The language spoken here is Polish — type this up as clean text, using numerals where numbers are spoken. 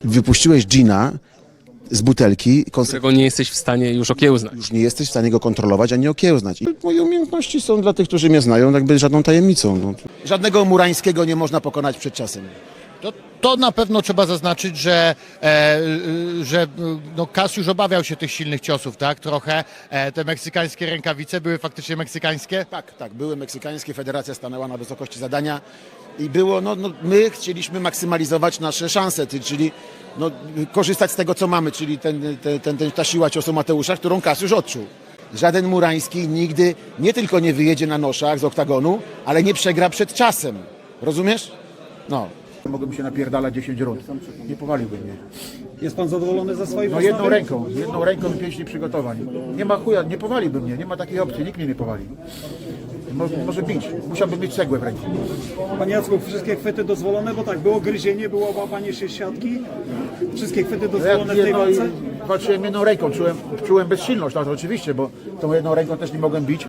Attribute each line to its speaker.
Speaker 1: Wypuściłeś dżina z butelki,
Speaker 2: Którego nie jesteś w stanie już okiełznać.
Speaker 1: już nie jesteś w stanie go kontrolować ani okiełznać. I moje umiejętności są dla tych, którzy mnie znają, jakby żadną tajemnicą. No. Żadnego Murańskiego nie można pokonać przed czasem.
Speaker 3: To na pewno trzeba zaznaczyć, że no Kas już obawiał się tych silnych ciosów, tak? Trochę. Te meksykańskie rękawice były faktycznie meksykańskie.
Speaker 1: Tak, były meksykańskie, federacja stanęła na wysokości zadania i było, my chcieliśmy maksymalizować nasze szanse, czyli korzystać z tego, co mamy, czyli ta siła ciosu Mateusza, którą Kas już odczuł. Żaden Murański nigdy nie tylko nie wyjedzie na noszach z oktagonu, ale nie przegra przed czasem. Rozumiesz? No. Mogłbym się napierdalać 10 rund. Nie powaliłby mnie.
Speaker 4: Jest pan zadowolony ze swojej
Speaker 1: No
Speaker 4: postawy?
Speaker 1: jedną ręką pięści przygotowań. Nie ma chuja, nie powaliłby mnie, nie ma takiej opcji, nikt mnie nie powali. Może bić, musiałbym mieć cegłę w ręku.
Speaker 4: Panie Jacku, wszystkie chwyty dozwolone, bo tak, było gryzienie, było łapanie się z siatki. Wszystkie chwyty dozwolone w tej walce?
Speaker 1: Walczyłem jedną ręką, czułem bezsilność, tak, oczywiście, bo tą jedną ręką też nie mogłem bić.